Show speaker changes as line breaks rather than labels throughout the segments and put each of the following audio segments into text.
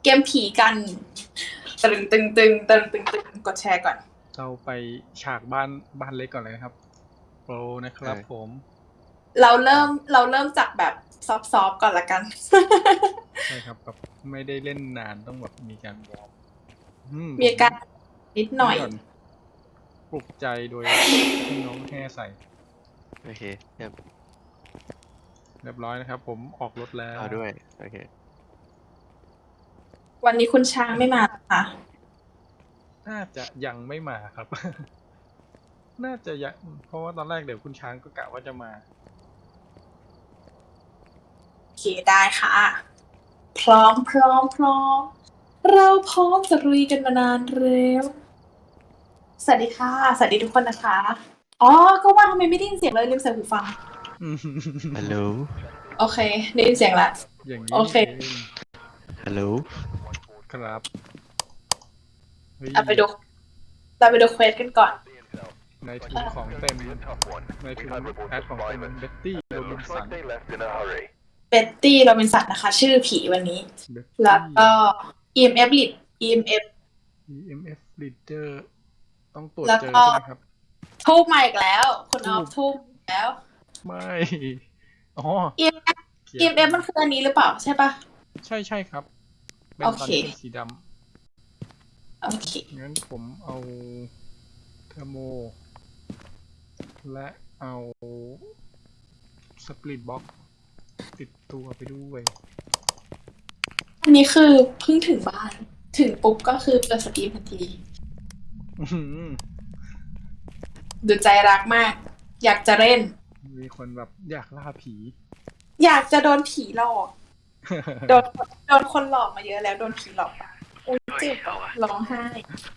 เกมผีกันตึงกดแชร์ก่อน
เราไปฉากบ้านเล็กก่อนเลยนะครับโปรนะครับผม
เราเริ่มจากแบบซอฟก่อนละกัน
ใช่ครับแบบไม่ได้เล่นนานต้องแบบมีการวอร์ม
มีการนิดหน่อย
ปลุกใจโดยที่น้องแห่ใส่
โอเค
เรียบร้อยนะครับผมออกรถแล้ว
ด้วยโอเค
วันนี้คุณช้างไม่มาค่ะ
น่าจะยังไม่มาครับ น่าจะยังเพราะว่าตอนแรกเดี๋ยวคุณช้างก็กะว่าจะมา
โอเคได้ค่ะพร้อมเราพร้อมจะลุยกันมานานแล้วสวัสดีค่ะสวัสดีทุกคนนะคะอ๋อก็ว่าทำไมไม่ได้ยินเสียงเลยลืมใส่หูฟัง
ฮัลโหล
โอเคได้ยินเสียงละ
อย่างนี้
โอเค
ฮัลโหล
ครับ
เราไปดูเควสกันก่อน
ในถุงของเต็มในถุงแอดของเต็มเบ็ตตี้โรบินสัน
นะคะชื่อผีวันนี้แล้วก็ EMF
leader ต้องตรวจเจอใช่ไหมครับ
ทูบมาอีกแล้วคุณออฟทูบแล้ว
ไม่อ๋อ
EMF มันคืออันนี้หรือเปล่าใช่ปะ
ใช่ครับเป็นตอนนี้เป็นสีดำ
โอเค
งั้นผมเอาเทอร์โมและเอาสปริตบ็อกติดตัวไปด้วย
อันนี้คือเพิ่งถึงบ้านถึงปุ๊บก็คือเปิดสตรีมทันทีดูใจรักมากอยากจะเล่น
มีคนแบบอยากล่าผี
อยากจะโดนผีหลอกโดนคนหลอกมาเยอะแล้วโดนผีหลอกอุ้ยเจ็บร้องไห้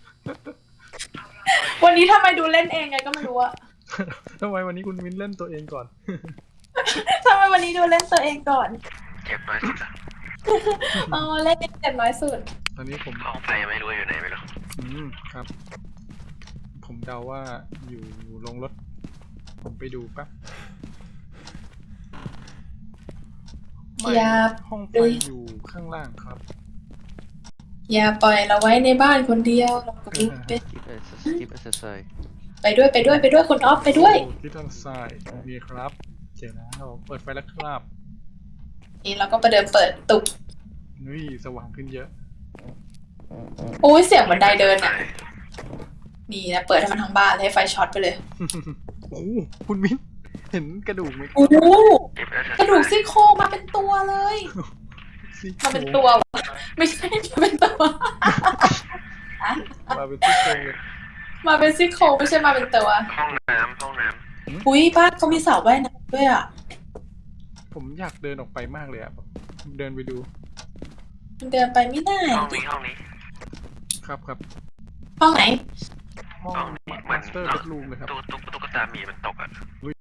วันนี้ทำไมดูเล่นเองไงก็ไม่รู้อะ
ทำไมวันนี้คุณวินเล่นตัวเองก่อน
ทำไมวันนี้ดูเล่นตัวเองก่อน
เจ็บน้อยสุด
อ๋อเล่นเจ็บน้อยสุด
ตอนนี้ผม
ห้องไฟไม่รู้อยู่ไหนไม่รู้
ครับผมเดาว่าอยู่ลงรถผมไปดูแป๊บห้องไฟอยู่ข้างล่างครับ
อย่าปล่อยเราไว้ในบ้านคนเดียวเราก็ลุกไปด้วยคุณออฟไปด้วย
ที่ทางซ้ายนี่ครับเจ๋งแล้วเปิดไฟแล้วครับ
นี่เราก็ไปเดินเปิดตุก
นี่สว่างขึ้นเยอะ
โอ้ยเสียงบันไดเดินอ่ะนี่นะเปิดให้มันทั้งบ้านให้ไฟช็อตไปเลย
โอ้คุณมิ้นเห็นกระดูกไหม
โอ้กระดูกซี่โครงมาเป็นตัวเลยมาเป็นตัวไม่ใช่มาเป็นตัว
มาเป็นซี่โครงเลย
มาเป็นซี่โครงไม่ใช่มาเป็นตัว
ห้องน้ำ
อุ้ยบ้านเขามีสระว่ายน้ำด้วยอ่ะ
ผมอยากเดินออกไปมากเลยอ่ะเดินไปดู
มันเดินไปไม่ได้
ห้องนี้
ครับ
ห้องไหน
ห้องมาสเตอร์เบดรูมเลยครับ
ตุ๊กตาหมีมันตกอ่ะ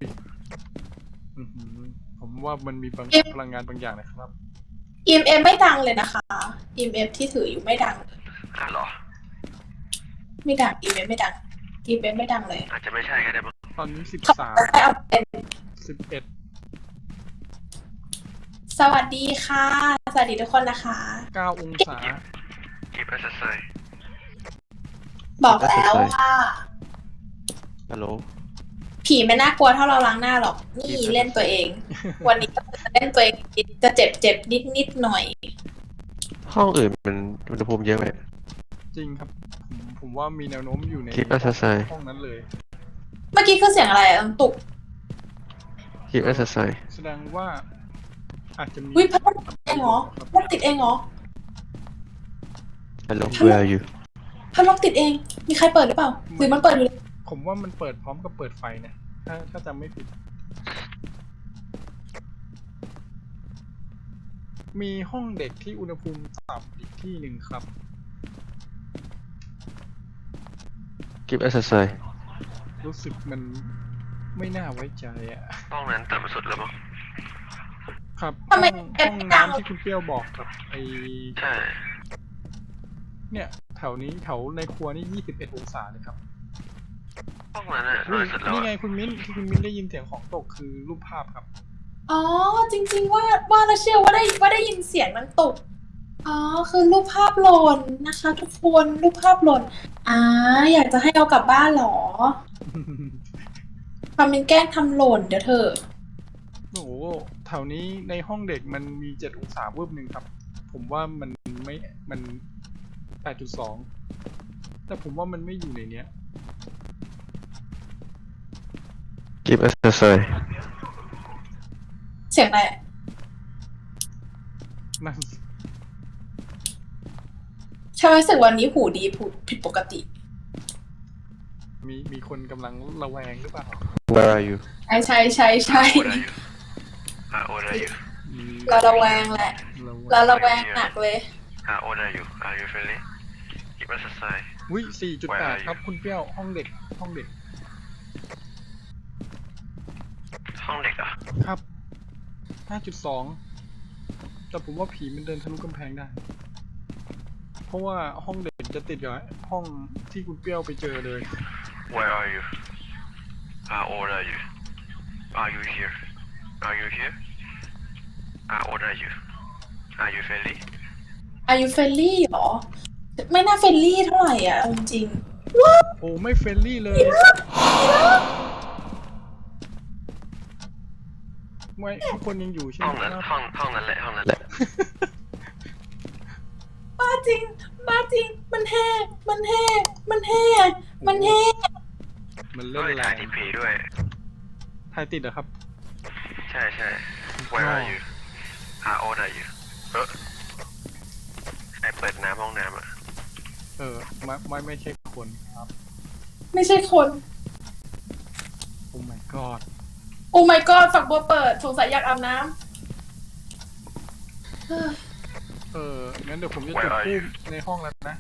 ผมว่ามันมีพลังงานบางอย่างนะครับ
EMF ไม่ดังเลยนะคะ EMF ที่ถืออยู่ไม่ดัง
หรอ
ไม่ดัง EMF ไม่ดัง EMF ไม่ดังเลย
อาจจะไม่ใช่ก็ได้
ตอนนี้11
สวัสดีค่ะสวัสดีทุกคนนะคะ
9 องศา
บอกแล้วว่า
ฮัลโหล
ผีไม่น่ากลัวเท่าเราล้างหน้าหรอกนี่เล่นตัวเอง วันนี้ก็จะเล่นตัวเองจะเจ็บนิดหน่อย
ห้องอื่นมันอุณหภูมิเยอะไหม
จริงครับผมว่ามีแนวโน้มอยู่ในห้องนั้นเลย
เมื่อกี้คือเสียงอะไรตุก
แสดงว่าอาจจะมี
พัดลมติดเองเหรอ
ฮัลโหล where are you
พัดลมติดเองมีใครเปิดหรือเปล่าหรือมันเปิดอยู่
ผมว่ามันเปิดพร้อมกับเปิดไฟนะถ้าจำไม่ผิดมีห้องเด็กที่อุณหภูมิต่ำอีกที่หนึ่งครับรู้สึกมันไม่น่าไว้ใจอ่ะ
ห้องนั้นต่ำสุดแล้วมั้ง
ครับห้องน้ำที่คุณเปรี้ยวบอกครับ
ใช่
เนี่ยแถวนี้แถวในครัวนี่21 องศาเลยครับ
ห้องนั้นอ่ะ
นี่ไงคุณมิ้นที่คุณมิ้นได้ยินเสียงของตกคือรูปภาพครับ
อ๋อจริงๆว่าเราเชื่อว่าได้ยินเสียงมันตกอ๋อคือรูปภาพหล่นนะคะ ทุกคนรูปภาพหล่นอยากจะให้เอากลับบ้านเหรอทำเป็นแกล้งทำหล่นเดี๋ยวเถอะ
โอ้โหแถวนี้ในห้องเด็กมันมี7 องศาเวิบหนึ่งครับ ผมว่ามันไม่มัน8.2แต่ผมว่ามันไม่อยู่ในเนี้ย
Give us a sign
เสียงอะไร
นั่น
ฉันรู้สึกวันนี้หูดีผิดปกติ
มีคนกำลังระแวงหรือเปล่า
Where are you
ใช่
How old are you
มี
เราระแวงแหละ เราระแวงหนักเลย
How old are you Are you friendly Give us a sign
วิ4.8 ครับคุณเปรี้ยวห้องเด็ก
ห้องเด็กเหรอ
ครับ 5.2 แต่ผมว่าผีมันเดินทะลุกำแพงได้ เพราะว่าห้องเด็กจะติดกับห้องที่คุณเปรี้ยวไปเจอเลย
Where are you How old are you Are you here Are you here How old are you Are you friendly
อายุเฟลลี่หรอ ไม่น่าเฟลลี่เท่าไหร่อ่ะเอาจริง
โอ้ไม่เฟรนลี่เลยไม่ทุกคนยังอยู่ใช่ไห
ห้
ม
องนั้น
ครับ
ห้องนั้นแหละห้องนั้นแหละ
บ้าจริง มันแห้มันเล่น
มัน
เฮ้
แร
ยถ่าย
ง
ทีพีด้วย
ถ่ายติดเหรอครับ
ใช่ Where are you How old are you ใครเปิดน้ำห้องน้ำอ่ะ
ไม่ใช่คนครับ
ไม่ใช่คน
โอ้ my god
โอ้ my god ฝักบัวเปิดสงสัยอยากอาบน้ำ
งั้นเดี๋ยวผมจะจุดธูปในห้องแล้วนะ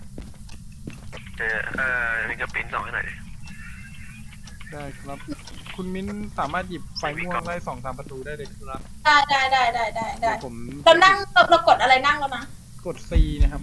มิงกปิ้นส่องให้หน่อยดิ
ได้ครับ คุณมิ้นสามารถหยิบไฟม่วงไล่2-3 ประตูได้เลยครับ
ได้
เดี๋ยวผม
เรานั่งเรากดอะไรนั่งแล้วนะ
กด C นะครับ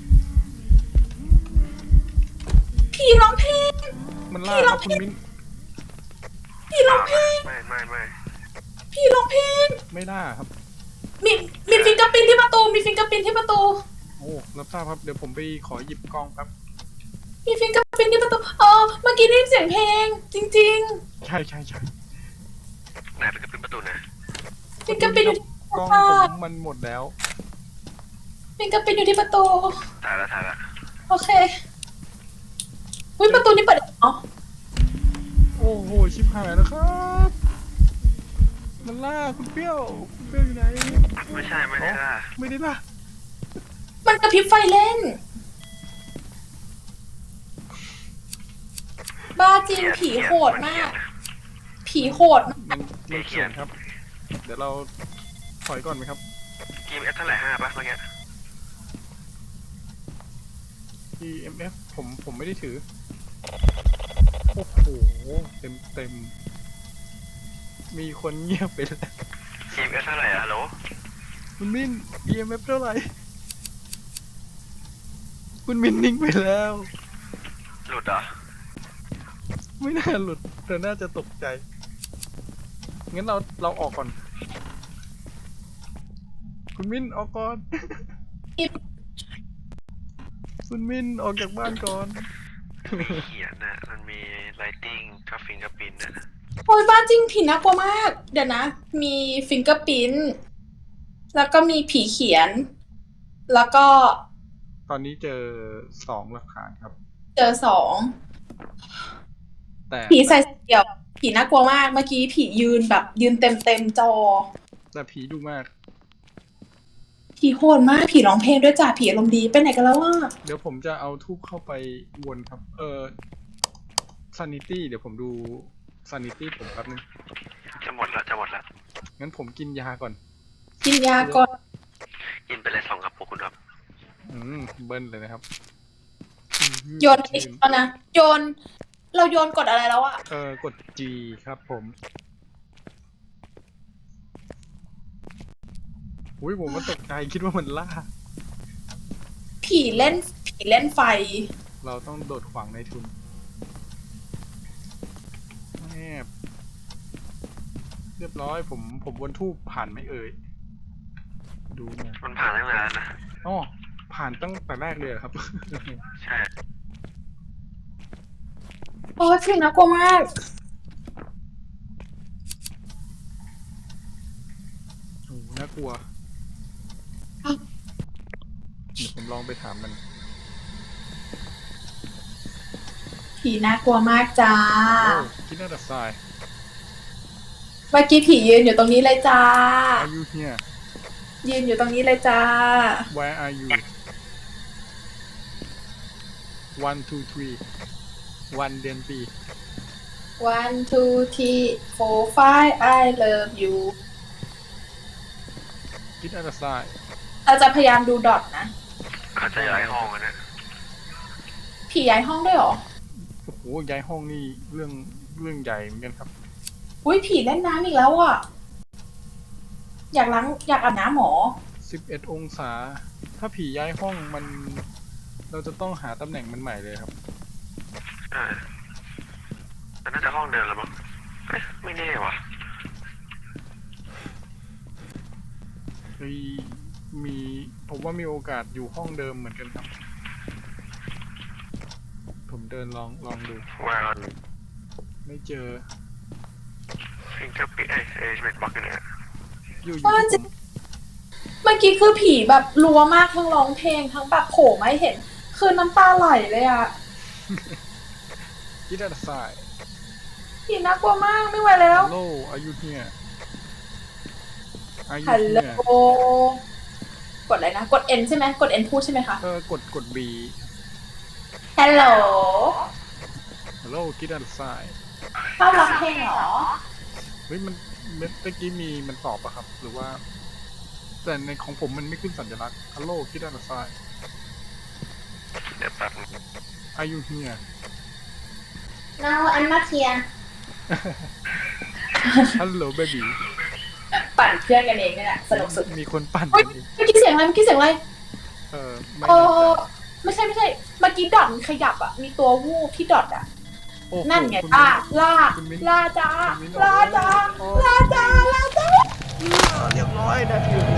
ผีร้องเพลง
มันล่าครับคุณมิ้น
ผีร้องเพลง
ไม่
ผีร้องเพลง
ไม่ล่าครับ
มีฟิงเกอร์ปินที่ประตู มีฟิงเกอร์ปินที่ประตู
โอ้รับทราบครับ เดี๋ยวผมไปขอหยิบกล้องครับ
มีฟิงเกอร์ปินที่ประตูเมื่อกี้ได้ยินเสียงเพลง จริง
ใช่
ไหนเป็นกระปิ้นประตูนะ
ๆ ฟิงเกอร์ปินอยู่ที่
กล้อง
ค่ะ
ผมมันหมดแล้ว
ฟิงเกอร์ปินอยู่ที่ประตู
ถ่ายละ
โอเคประตูนี้เปิดอ๋อ
โอ้โห ชิบหายแล้วครับ มันล่าคุณเปรี้ยวอยู่ไหน
ไม่ใช่ล่ะ
ไม่ได้ล่า
มันกระพริบไฟเล่น บ้าจริงผีโหดมาก ผีโหดมาก
มันเขียนครับ เดี๋ยวเราถอยก่อนไหมครับ
กีมเอฟเท่าไหร่5ป่ะเมื่อกี้
EMF ผมไม่ได้ถือ โอ้โห เต็ม มีคนเงียบไปแล้ว
กีมเอฟเท่าไหร่ฮัลโหล
คุณมิน EMF เท่าไหร่ คุณมินนิ่งไปแล้ว
หลุดเหรอ
ไม่น่าหลุดแต่น่าจะตกใจ งั้นเราออกก่อน คุณมินออกก่อน คุณมินออกจากบ้านก่อน
มีเขียนน่ะมันมีไลติ้งกับฟิงกับปิ้นน่ะ
โอ้ยบ้าจริงผีน่ากลัวมาก เดี๋ยวนะ มีฟิงเกอร์ปิ้นแล้วก็มีผีเขียน แล้วก็
ตอนนี้เจอ2 หลักฐานครับ
เจอ2
แต่
ผีใส่เดี่ยว ผีน่ากลัวมาก เมื่อกี้ผียืนเต็มจอ
แต่ผีดุมาก
ผีโหดมาก ผีร้องเพลงด้วยจ้ะ ผีอารมณ์ดีไปไหนกันแล้ววะ
เดี๋ยวผมจะเอาทูบเข้าไปวนครับ sanity เดี๋ยวผมดู sanity ผมแป๊บนึง
จะหมดละ
งั้นผมกินยาก่อน
กินยาก่อน
กินไปเลย2 กระปุกคุณครับ
เบิ้ลเลยนะครับ
โยนอีกแล้วนะ เราโยนกดอะไรแล้วอะ
กด G ครับผมอุ้ยผมมันตกใจคิดว่ามันล่า
ผีเล่นไฟ
เราต้องโดดขวางในทุนแอบ เรียบร้อยผมวนทูบผ่านไหมเอ่ย ดูหนะ
มันผ่านตั้งนานแล้วนะ
อ๋อผ่านตั้งแต่แรกเลยเหรอครับ
ใช่
โอ้ผีน่ากลัวมาก
โอ้น่ากลัว เดี๋ยวผมลองไปถามมัน
ผีน่ากลัวมากจ้า
โอ้คิดน่าจะทราย
เมื่อกี้ผียืนอยู่ตรงนี้เลยจ้า
Are you here
ยืนอยู่ตรงนี้เลยจ้า
Where are you 1 2 3 1เดือนปี
one two three four five I love you
คิดน่าจะทราย
เราจะพยายามดูดอทนะ
อาจจะย้ายห้องกันนะ
ผีย้ายห้องด้วยเหรอ
โอ้โหย้ายห้องนี่เรื่องใหญ่เหมือนกันครับ
อุ้ยผีเล่นน้ำอีกแล้วอ่ะ อยากอาบน้ำหมอ
11 องศา ถ้าผีย้ายห้องมัน เราจะต้องหาตำแหน่งมันใหม่เลยครับ
ใช่แต่น่าจะห้องเดิมแล้วมั้งเอ๊ะไม่แน่ว่ะ
มีผมว่ามีโอกาสอยู่ห้องเดิมเหมือนกันครับ ผมเดินลองดู
Where are
ไม่เจอ
fingerprint เอ้ยเป็นบล็อกกันเนี่ย
อยู่
ว่า
ที่
จะ
ผม
เมื่อกี้คือผีแบบรัวมากทั้งร้องเพลงทั้งแบบโผล่มาให้เห็น คือน้ำตาไหลเลยอ่ะ
คิดน่าจะทราย
ผีน่ากลัวมากไม่ไหวแล้ว
Hello are you here Are you
ฮัลโหล
here
กดอะไรนะ กด N ใช่ไหมกด N พูดใช่ไหมคะ
กด B
ฮัลโหล
Hello คิดน่าจะทราย
ชอบร้องเพลงเหรอ
เฮ้ยมันเมื่อกี้มันตอบอะครับ หรือว่า แต่ในของผมมันไม่ขึ้นสัญลักษณ์ Hello คิดน่าจะทราย
เดี๋ยวแป๊บนึง
Are you here
No I'm not here
Hello baby
ปั่นเพื่อนกันเองนี่แหละสนุกสุด
มีคนปั่น
เฮ้ย
กันเอง
เมื่อกี้เสียงอะไรเมื่อกี้เสียงอะไร
ไม่
เอ
แน่ใจ
ไม่ใช่เมื่อกี้ดอทมันขยับอ่ะ มีตัววูบที่ดอทอ่ะ
โอ้โห
นั่นไง
คุณ
ล่า
คุณมิ้น
ล่าจ้า
คุณมิ้น
ล่าจ้า
โอ้
ล่าจ้าล่าจ้า
เรียบร้อยนะทีผม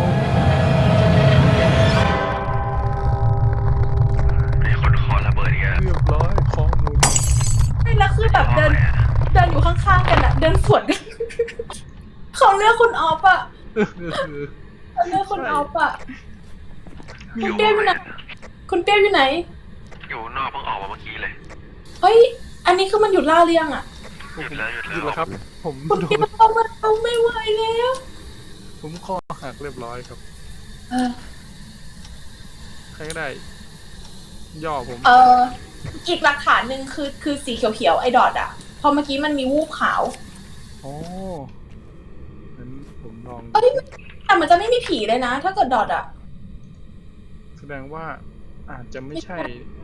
มีคนคอระเบิดอีกแล้ว
เรียบร้อยข้อมูล
ไม่แล้วคือแบบเดินอยู่ข้างๆกันอ่ะ เดินสวนกัน เขาเลือกคุณออฟอ่ะเขาเลือกคุณออฟอ่ะ คุณเปรี้ยวอยู่ไหน คุณเปรี้ยวอยู่ไหน
อยู่นอกเพิ่งออกมาเมื่อกี้เลย
เฮ้ย อันนี้คือมันหยุดล่าเรียงอ่ะ
หยุดแล้ว
หยุดแล้วครับ ผม
คุณ
โด
เปรี้ย
น
วเอามาเอาไม่ไหวแล้ว
ผมคอหักเรียบร้อยครับ
เออ
ใครก็ได้ ย่อผม
อีกหลักฐานหนึ่งคือสีเขียวๆไอ้ดอทอ่ะพอเมื่อกี้มันมีวูบขาว
โอ้งั้นผมลอง
เอ้ยแต่มันจะไม่มีผีเลยนะ ถ้าเกิดดอทอ่ะ
แสดงว่าอาจจะไม่ใช่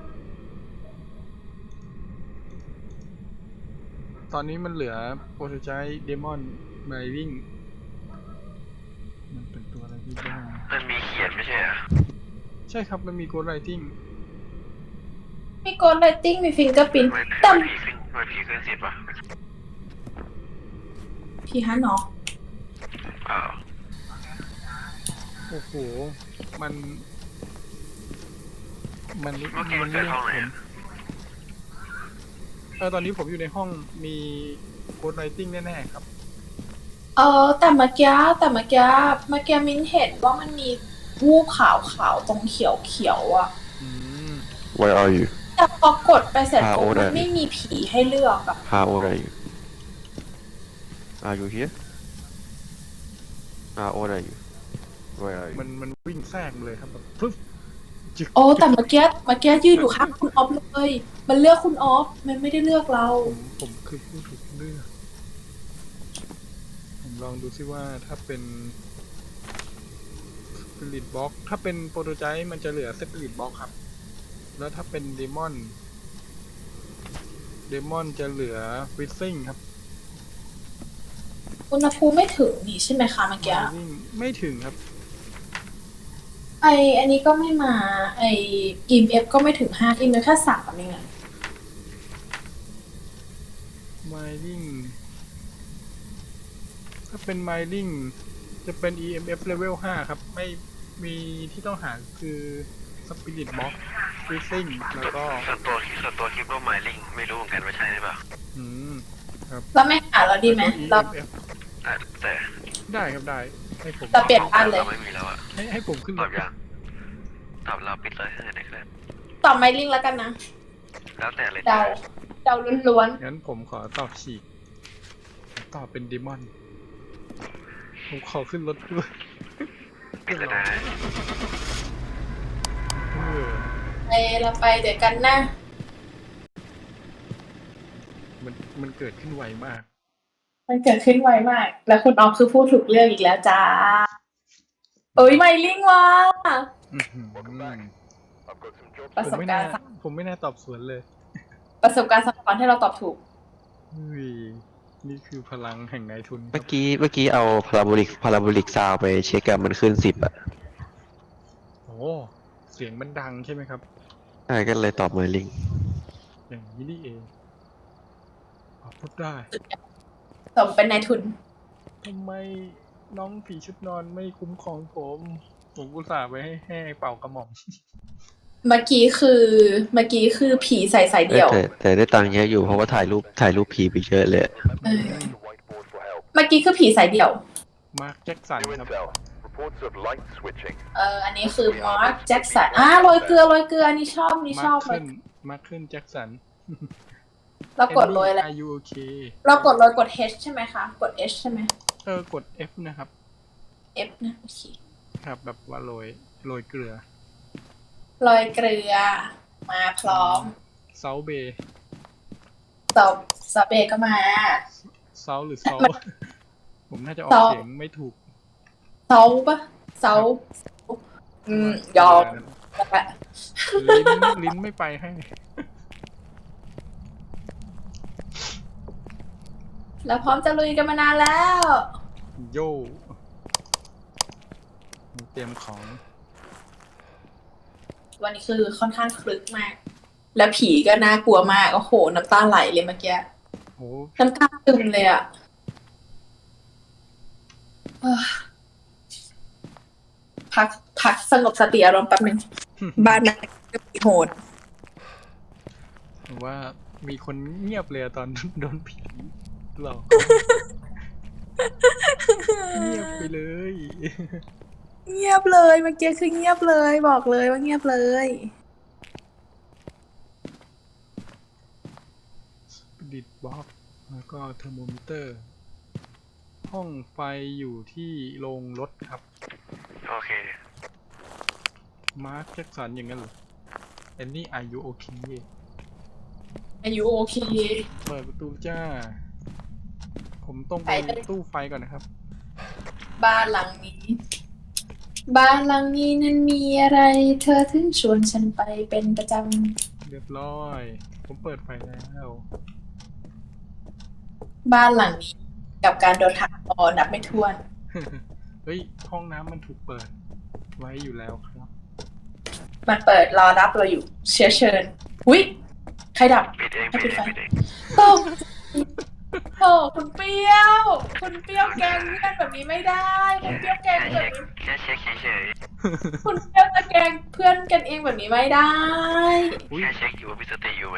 ตอนนี้มันเหลือโปรโตไจเดมอนไมวิ่งมันเป็นตัวอะไรที่บ้าง
มันมีเขียนไม่ใช่เหรอ
ใช่ครับ มันมีโกดไรติ้ง
มีโกลไลติ้งมีฟิงเกอร์พิน
ไม่
แต่
ผีขึ้นไม่ผีขึ้นสิบป่ะ
ผีฮันเนาะ
อ้าว
โอ้โห มัน
เมื่อกี้มันเกิดห้องไหนอะ
ตอนนี้ผมอยู่ในห้องมีโกดไรติ้งแน่ๆครับ
แต่เมื่อกี้มิ้นเห็นว่ามันมีวูบขาวตรงเขียวอ่ะ
อืม
Where are you?
แต่พอกดไปเสร็จปุ๊บ
โอ้ได้
มันไม่มีผีให้เลือกอ่ะ
How old are you? Are you here? How old are you? Where are you?
มันวิ่งแทรกมาเลยครับแบบปึ๊บจึก
โอ้แต่เมื่อกี้ยืนอยู่ข้างคุณออฟเลย มันเลือกคุณออฟ มันไม่ได้เลือกเรา
ผมคือผู้ถูกเลือก ผมลองดูซิว่าถ้าเป็นสปิริตบ็อกถ้าเป็นโปรโตไจมันจะเหลือสปิริตบ็อกครับ แล้วถ้าเป็นเดมอนจะเหลือฟิซซิ่งครับ
อุณหภูมิไม่ถึงนี่ใช่ไหมคะเมื่อกี้
วิ่งไม่ถึงครับ
อันนี้ก็ไม่มา EMF ก็ไม่ถึง5 EMF แค่3เองอะ
ไมลิงถ้าเป็นไมลิงจะเป็น EMF level 5 ครับ ไม่มีที่ต้องหาคือปิริตบ็อกฟรีซิ่งแล้วก็
ส่วนตัวคิดว่าหมายลิงไม่รู้เหมือนกันว่าใช่หรือเปล่า
อืมครับ
เราไม่หาเราดีไหม
แล้ว
เรา
ก็ EMF
แต่
ได้ครับได้ให้ผม
เราเปลี่ยนบ้านเลย
เราไม่มีแล้วอะ
ให้ผมขึ้น
ต
ร
อบ
ถ
ยังตอบเราปิดเลยให้ได้ครับ
ตอบไมลิงแล้วกันนะ
แล้วแต่เลย
เดาเดาล้วน
งั้นผมขอตอบฉีกผมตอบเป็นดิมอนผมขอขึ้นรถด้วย
ปิดเลยนะ
เออ
ๆไปเราไปเดี๋ยวกันนะ
มันเกิดขึ้นไวมาก
มันเกิดขึ้นไวมาก แล้วคุณออฟคือพูดถูกเรื่องอีกแล้วจ้าโอ้ยไมลิงว่ะ
อื้อหือ
ประสบการณ์
ผมไม่น่าตอบสวนเลย
ประสบการณ์สะท้อนให้เราตอบถูก
เฮ้ยนี่คือพลังแห่งนายทุนค
เมื่
รั
อบ กี้เอาพาราโบลิกซาวไปเช็คกันมันขึ้น10อะ
โอ้เสียงมันดังใช่ไหมครับ
ใช่ก็เลยตอบหมายลิง
อย่างนี้นี่เองพูดได้
สมเป็นนายทุน
ทำไมน้องผีชุดนอนไม่คุ้มครองผมอุตส่าห์ไปให้เป่ากระหม่อม
เมื่อกี้คือผีใส่สายเดี่ยว
แต่ได้ตังค์เยอะอยู่เพราะว่าถ่ายรูปผีไปเยอะเลย
เออเมื่อกี้คือผีสายเดี่ยว
มาร์คแจ็คสัน
New
ครับ
intel. Reports of light switching.
อันนี้คือมาร์คแจ็คสันโรยเกลืออันนี้ชอบเลย
มาร์คขึ้นแจ็คสัน
เรากดโรยอะไร
Are you okay
เรากดโรยกด H ใช่ไหมคะ กด H ใช่ไหม
กด F นะครับ
F นะโอเค
ครับแบบว่าโรยเกลือ
โรยเกลือ มาพร้อม
เซาเบย์
ซอเบก็มา
เซาหรือเซา ผมน่าจะออก
เซา
เสียงไม่ถูก
เซาปะเซายอมละ
ลิ้นไม่ไปให้
แล้วพร้อมจะลุยกันมานานแล้ว
โย่เตรียมของ
วันนี้คือค่อนข้างคลึกมาก แล้วผีก็น่ากลัวมาก โอ้โห น้ำตาไหลเลยเมื่อกี้
โอ้
น้ำตาซึมเลยอะเอ้อพักสงบสติอารมณ์แป๊บนึง บ้านนั้นก็ผีโหด
ผมว่ามีคนเงียบเลยอะตอนโดนผีหลอก เงียบไปเลย
เงียบเลยเมื่อกี้คือเงียบเลยบอกเลยว่าเงียบเลย
ดิดบล็อกแล้วก็เทอร์โมมิเตอร์ ห้องไฟอยู่ที่โรงรถครับ
โอเค
มาร์คแจ็คสันอย่างนั้นเหรอแอนนี่อายุโอเค
อายุโอเค
เปิดประตูจ้า ผมต้องไป
ไปเลย
ตู้ไฟก่อนนะครับ
บ้านหลังนี้ บ้านหลังนี้นั้นมีอะไร เธอถึงชวนฉันไปเป็นประจ
เรียบร้อย ผมเปิดไฟแล้ว
ำบ้านหลังนี้ กับการโดนหักคอนับไม่ถ้วน
เฮ้ย ห้องน้ำมันถูกเปิดไว้อยู่แล้วครับ
มันเปิดรอรับเราอยู่เชื้อเชิญหุ้ยใครดับ
ปิดเอง
ให้
ปิ
ปิ
ด
ด
เอ
ไฟ
งปิดเอง
ตกโอ้คุณเปรี้ยว คุณเปรี้ยวแกล้งเพื่อนแบบนี้ไม่ได้คุณเปรี้ยวแกล้งแบบนี้
แค่เช็คเฉย
คุณเปรี้ยวจะแกล้งเพื่อนกันเองแบบนี้ไม่ได้
อุ๊ย
แค่เช็คอยู่ว่ามีสติอยู่ไหม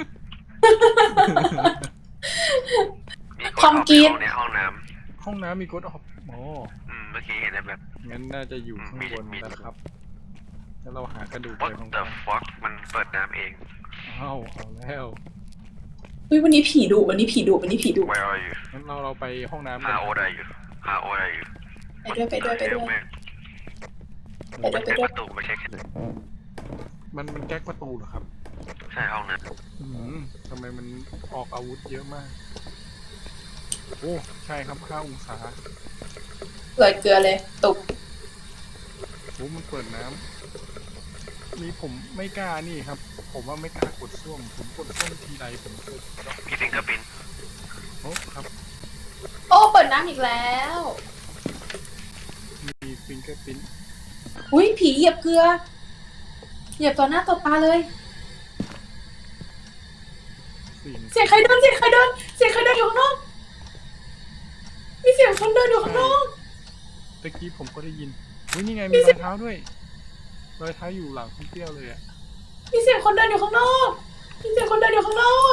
มี
ทอมกรีด
ในห้องน้
ห้องน้ำมีกดออฟอ๋อ
ำเมื่อกี้เห็นแบบ
งั้นน่าจะอยู่ข้างบนนะครับ แล้วเราหากระดูกไป
what
ของ
the fuck มันเปิดน้ำเอง
เอาแล้ว
วันนี้ผีดุวันนี้ผีดุวันนี้ผีดุ
where are you
งั้นเราไปห้องน้ำกัน
how old are you how old are you
ไปด้วย
เร็วมาก
ไปด้วย
เช็คประตูมาเช็ค
มันแก๊กประตูเหรอครับ
ใช่ห้องน้
อืมทำไมมันออกอาวุธเยอะมาก โอ้ใช่ครับ5 องศา
เลยเกลือเลยตุก
โอ้มันเปิดน้ำนี่ผมไม่กล้านี่ครับ ผมว่าไม่กล้ากดส้วมผมกดส้วมทีไรผมเจอ
ำมีฟิงเกอร์พิน
โอ้ครับ
โอ้เปิดน้ำอีกแล้ว
มีฟิงเกอร์พิ้น
อุ้ยผีเหยียบเกลือ เหยียบต่อหน้าต่อตาเลย เสียงใครเดินอยู่ข้างนอกมีเสียงคนเดินอยู่ข้างนอก
ตะกี้ผมก็ได้ยินเฮ้ยนี่ไงมีรอยเท้าด้วยรอยเท้าอยู่หลังคุณเปรี้ยวเลยอะ
มีเสียงคนเดินอยู่ข้างนอกมีเสียงคนเดินอยู่ข้างนอก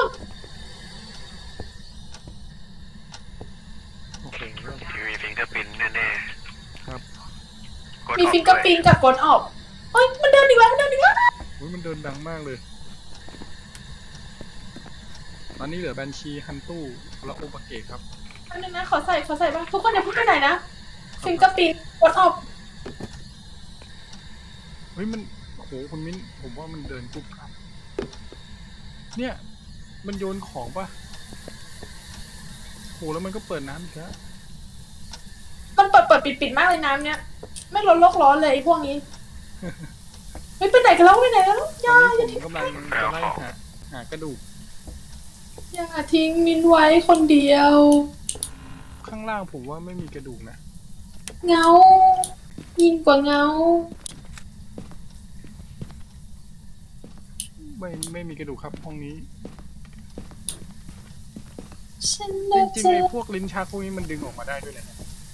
โอเค
มีฟิงเกอร์พินแน่
ครับ
ๆกด
มี
ออก
ฟิงเกอร์
ด้วย
ปินกับกดออกเฮ้ยมันเดินอีกแล้วมันเดินอีกแล้ว
อุ๊ยมันเดินดังมากเลย ตอนนี้เหลือแบนชีฮันตู้และโอปาเกะครับ
อันนึงนะขอใส่บ้างทุกคนอย่าเพิ่งไปไหนนะฟิงเกอร์ปินกดออก
เฮ้ยมันโอ้โหคุณมิ้นผมว่ามันเดินปุ๊บครับ เนี่ย มันโยนของปะโหแล้วมันก็เปิดน้ำอีกแล้ว
มันเปิดปิดมากเลยน้ำเนี้ยไม่ร้อนโลกร้อนเลยไอ้พวกนี้เฮ้ยไปไหนกันแล้วไปไหนกันแล้ว
ต
อย่า
อน
อย่า
นี้ผมกำลังจะไล่หากระดูก
อย่าทิ้งมินไว้คนเดียว
ข้างล่างผมว่าไม่มีกระดูกนะ
เงายิ่งกว่าเงา
ไม่มีกระดูกครับห้องนี้
ฉัน
จ
น่า
ริง
จะ
ๆไอ้พวกลิ้นชักพวกนี้มันดึงออกมาได้ด้วยแหละ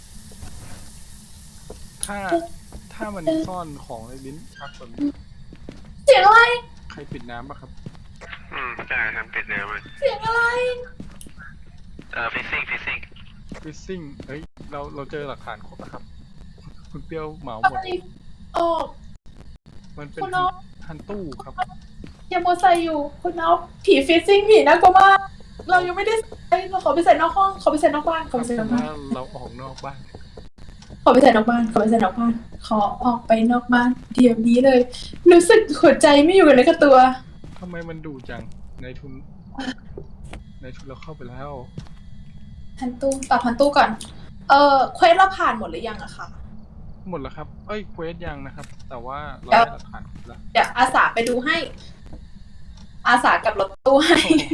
ถ้ามันซ่อนของในลิ้นชักแบบนี้
เสียงอะไร
ใครปิดน้ำปะครับ
ใช่ครับปิดเนื้อมัน
เสียงอะไร
ฟิซซิ่ง
ฟิซซิ่งเฮ้ยเราเจอหลักฐานครบนะครับ คุณเปรี้ยวเหมาห
อะ
มด
ไรออก
มันเป็น
คุณน้อง
ฮันตู้ครับ
ยาโมไซอยู่คุณเอาผีฟิซซิ่งผีน่ากลัวมากเรายังไม่ได้ใส่เราขอไปใส่นอกห้องขอไปใส่นอกบ้านขอไปใส่นอกบ้าน
ว่าเราออกนอกบ้าน
ขอไปใส่นอกบ้านขอไปใส่นอกบ้านขอออกไปนอกบ้านเดี๋ยวนี้เลย รู้สึกหัวใจไม่อยู่กับเนื้อกับตัว
ทำไมมันดุจังในทุนเราเข้าไปแล้ว
พันตู้ปรับพันตู้ก่อนเควสเราผ่านหมดหรือยังอะคะ
หมดแล้วครับ เอ้ยเควสยังนะครับ แต่ว่าเราได้หลักฐานครบแล้ว
เดี๋ยวอาสาไปดูให้ อาสากับรถตู้ให้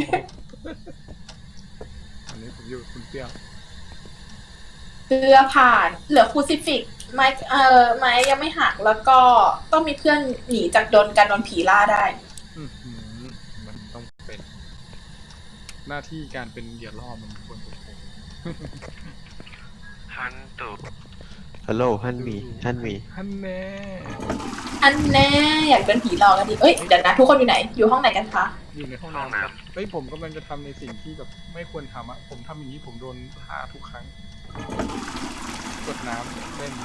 อันนี้ผมอยู่กับคุณเปรี้ยว
เรือผ่านเหลือคูซิฟิกไม้ไม้ยังไม่หักแล้วก็ต้องมีเพื่อนหนีจากการโดนผีล่าได้
อื้อหือมันต้องเป็นหน้าที่การเป็นเหยื่อล่อมันควรเป็นผม
ฮันตู
ฮัลโหลฮันมีฮันมี
ฮันแน่
อันแน่อยากเป็นผีหลอกกันดิเอ้ยเดี๋ยวนะทุกคนอยู่ไหนอยู่ห้องไหนกันคะ
อยู่ในห้องน้ำครับเฮ้ยผมกำลังจะทำในสิ่งที่แบบไม่ควรทำอะผมทำอย่างนี้ผมโดนฆ่าทุกครั้ง กดน้ำเล่น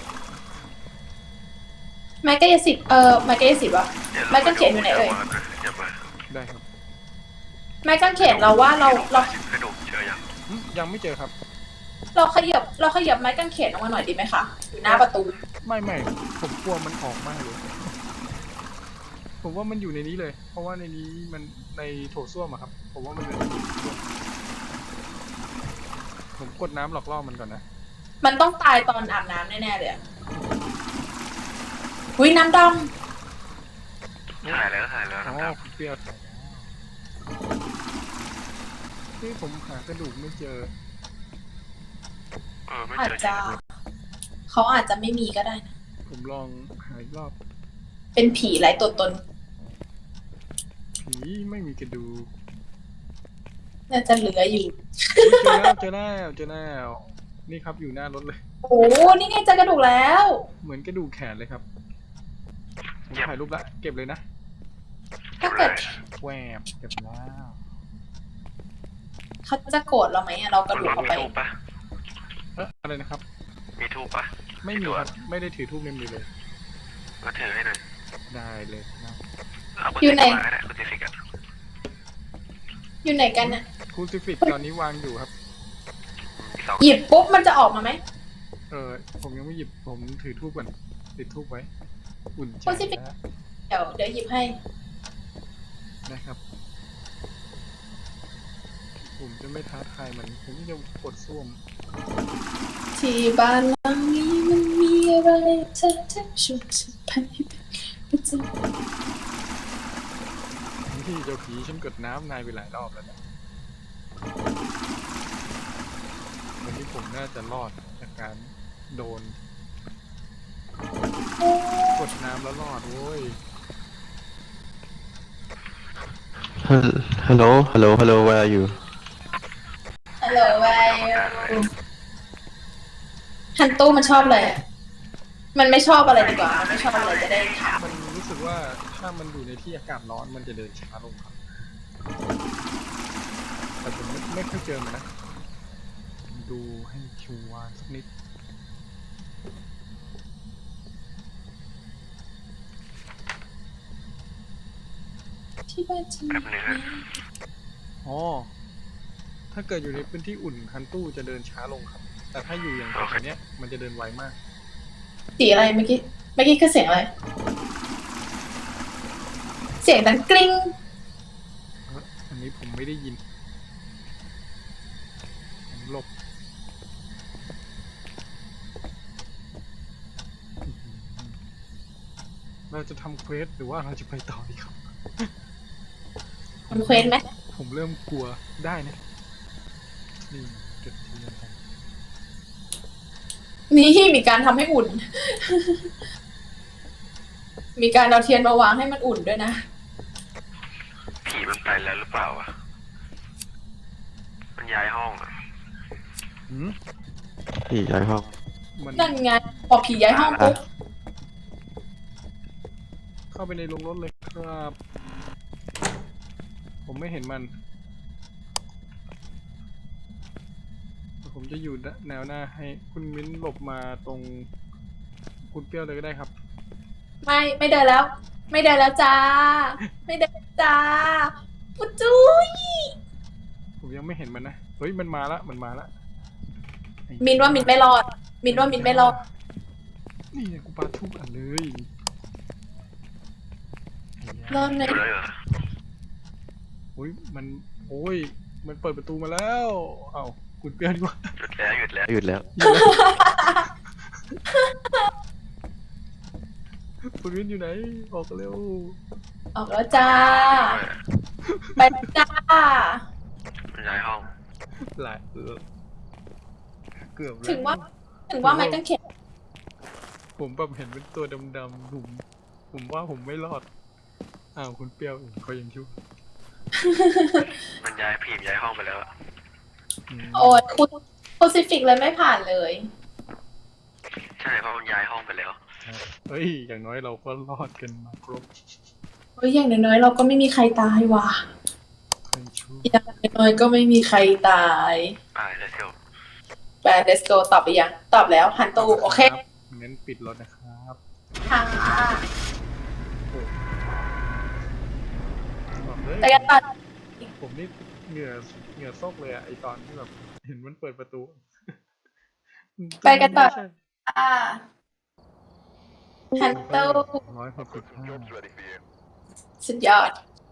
ไม้กายสิทธิ์ไม้กายสิทธิ์วะ ไม้กางเขนอยู่ไหนเอ่ย
อย่ามา
ได้ครับ
ไม้กางเขนเราว่าเรา
กระดูกเจอยัง
ยังไม่เจอครับ
เราขยับไม้กางเขนออกมาหน่อยดีไหมคะอยู่หน้าประตู
ไม่ผมกลัวมันออกมากเลย ผมว่ามันอยู่ในนี้เลย เพราะว่าในนี้มันในโถส้วมอะครับ ผมว่ามันเป็นในโถส้วมผมกดน้ำหลอกล่อมันก่อนนะ
มันต้องตายตอนอาบน้ำแน่ๆเลยอะอุ้ยน้ำด
ถ่ายแล้ว
อ๋อ
นะครับ
คุณเปรี้ยวถ่ายแล้วที่ผมหากระดูกไม่เจอ
ไม่
ำอาจ
เจอ
จะเขาอาจจะไม่มีก็ได้นะ
ผมลองหาอีกรอบ
เป็นผีไร้ตัวตน
ผีไม่มีกระดูก
น่าจะเหลืออยู่
เจอแล้ว นี่ครับอยู่หน้ารถเลย
โอ้นี่ไงเจอกระดูกแล้ว
เหมือนกระดูกแขนเลยครับผมถ่ายรูปละเก็บเลยนะ
ถ้าเกิด
แหวบเก็บแล้ว
เขาจะโกรธเราไหมอะเรากระดูกเข้า
มี
ไป
ทูบปะ
อะไรนะครับ
มีทูบปะ
ไม่มีครับไม่ได้ถือทูบในมือเลย
มาถือให้หน่อย
ได้เลยครับ
เอาคุณติฟิกก็ได้คุณติฟิกอะ
อยู่ไหนกันน่ะ
คูซิฟิกตอนนี้วางอยู่ครับ
มีสอง
หยิบปุ๊บมันจะออกมาไหม
ผมยังไม่หยิบผมถือทูบก่อนติดทูบไว้ อุ่นใจ
Crucifix
แล้ว
เดี๋ยวหยิบให้
นะครับ ผมจะไม่ท้าทายมัน ผมจะกดส้วม
ที่บ้านหลังนี้มันมีอะไรเธอจะชวนฉันไปเป็นประจ
ที่เจ้าผีฉันกดน้ำนายไปหลายรอบแล้วนะวันนี้ผมน่าจะรอดจากการโดน กดน้ำแล้วรอดโว้ย
ฮัลโหล where are you
ำฮัลโหลไวฮันตู้มันชอบอะไรอะมันไม่ชอบอะไรดีกว่า มันไม่ชอบอะไรจะได้ถาม
มันว่าถ้ามันอยู่ในที่อากาศร้อนมันจะเดินช้าลงครับ แต่ผมไม่ค่อยเจอมันนะ ดูให้ชัวร์สักนิด
ที่บ้านฉัน
แป๊บนึงฮะ
อ๋อ ถ้าเกิดอยู่ในพื้นที่อุ่นฮันตู้จะเดินช้าลงครับ แต่ถ้าอยู่อย่างแถวๆเนี้ยมันจะเดินไวมาก
สีอะไรเมื่อกี้คือเสียงอะไร เสียงดังกริ๊ง
อันนี้ผมไม่ได้ยิน ผมหลบ เราจะทำเควสหรือว่าเราจะไปต่อดีครับ
ทำเควสไหม
ผมเริ่มกลัวได้นะ นี่จุดเทียนกัน
นี่มีการทำให้อุ่น มีการเอาเทียนมาวางให้มันอุ่นด้วยนะ
ผีมันไปแล้วหรือเปล่าวะมันย้ายห้องอะ
หืม
พี่ย้ายห้อง
มัน
นั่นไงพอผีย้ายห้องปุ๊บ
เข้าไปในโรงรถเลยครับ ผมไม่เห็นมัน ผมจะอยู่แนวหน้าให้คุณมิ้นหลบมาตรงคุณเปรี้ยวเลยก็ได้ครับ
ไม่เดินแล้ว ไม่เดินแล้วจ้า ไม่เดินแล้วจ้าปุ๊จุ้ย
ผมยังไม่เห็นมันนะ เฮ้ยมันมาละไอ้
มินว่ามินไม่รอด มินว่ามินไม่รอด
นี่ไงกูปาทุกอันเลย
รอดไหม
อยู่เลยเหรอ
โอ้ยมันเปิดประตูมาแล้วเอ้าคุณเปรี้ยวดีกว่า
หยุดแล้วหยุดแล้ว
หยุดแล้ว
คุณมิ้นอยู่ไหนออกเร็ว
ออกแล้วจ้า ไปจ้า
มันย้ายห้อง
หลายเกือบแล้ว
ถึงว่าไม้กางเขน
ผมแบบเห็นเป็นตัวดำๆผมว่าผมไม่รอด อ้าวคุณเปรี้ยวเขายังชั่ว
มันย้ายผีย้ายห้องไปแล้วอะ
อืม
โอ้ยคูซิฟิกเลยไม่ผ่านเลย
ใช่เพราะมันย้ายห้องไปแล้ว
เฮ้ย อย่างน้อยเราก็รอดกันมาครบ
เฮ้ยอย่างน้อยๆเราก็ไม่มีใครตายว่ะ
ใครชั่ว
อย่างน้อยๆก็ไม่มีใครตาย
let's go
ไป let's go ตอบไปยัง ตอบแล้วหันตูโอเค
ครับงั้นปิดรถนะครับ
ค่ะ
บอกเลย
ไปกันต่อ
ผมนี่เหงื่อซกเลยอะไอตอนที่แบบเห็นมันเปิดประตู
ไปกันต่อ
ใช่
ค่ะหันตู
Put some
165
jobs ready for you.
สุดยอด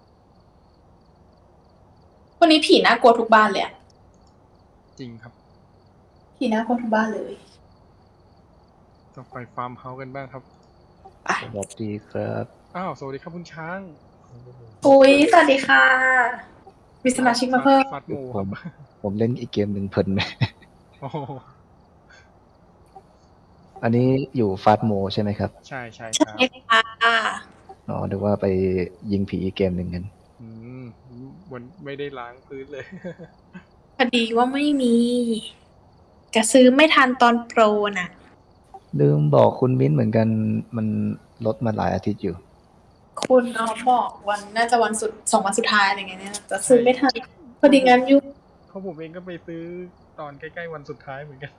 วันนี้ผีน่ากลัวทุกบ้านเลยอะ
จริงครับ
ผีน่ากลัวทุกบ้านเลย
ต้องไปฟาร์มเฮาส์กันบ้างครับ
ไป
สวัสดีครับ
อ้าว สวัสดีครับคุณช้าง
อุ้ยสวัสดีค่ะ มีสมาชิกมาเพิ่ม
ฟัดโมครับ
ผมเล่นอีกเกมหนึ่งเพลินไหม
โอ้โห
อันนี้อยู่ฟาสโมใช่ไหมครับ
ใช่ค
ใช่
รับ
ค่ะ
อ๋อนึกว่าไปยิงผีอีกเกมหนึ่งกัน
อืมวันไม่ได้ล้างพื้นเลย
พอดีว่าไม่มีจะซื้อไม่ทันตอนโปรน่ะ
ลืมบอกคุณมิ้นเหมือนกันมันลดมาหลายอาทิตย์อยู่
คุณน้องบอกวันน่าจะวัน2 วันสุดท้ายอะไรเงี้ยเนี่ยจะซื้อไม่ทัน พอดีงานยุ่ง
เพราะผมเองก็ไปซื้อตอนใกล้ๆวันสุดท้ายเหมือนกัน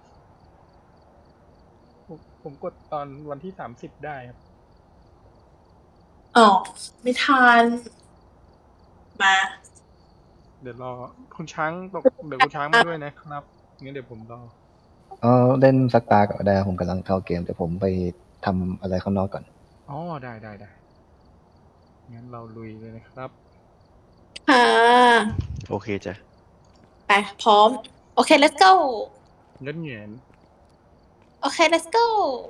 ผมกดตอนวันที่30ได้ครับ
อ๋อไม่ทัน มา
เดี๋ยวรอคุณช้างเดี๋ยวคุณช้างมาด้วยนะครับงั้นเดี๋ยวผมรอ
เล่นสักตาก็ได้ผมกำลังเข้าเกมแต่ผมไปทำอะไรข้างนอกก่อน
อ๋อได้งั้นเราลุยเลยนะครับ
ค่ะ
โอเคจ้ะ
ไปพร้อม โอเค let's go
เงี้ยเงียน
โอเค let's go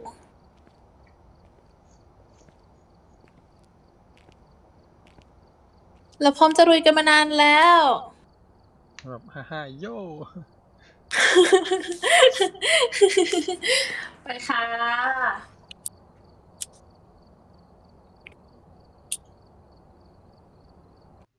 เราพร้อมจะลุยกันมานานแล้ว
แบบฮ่าโย่
ไปค่ะ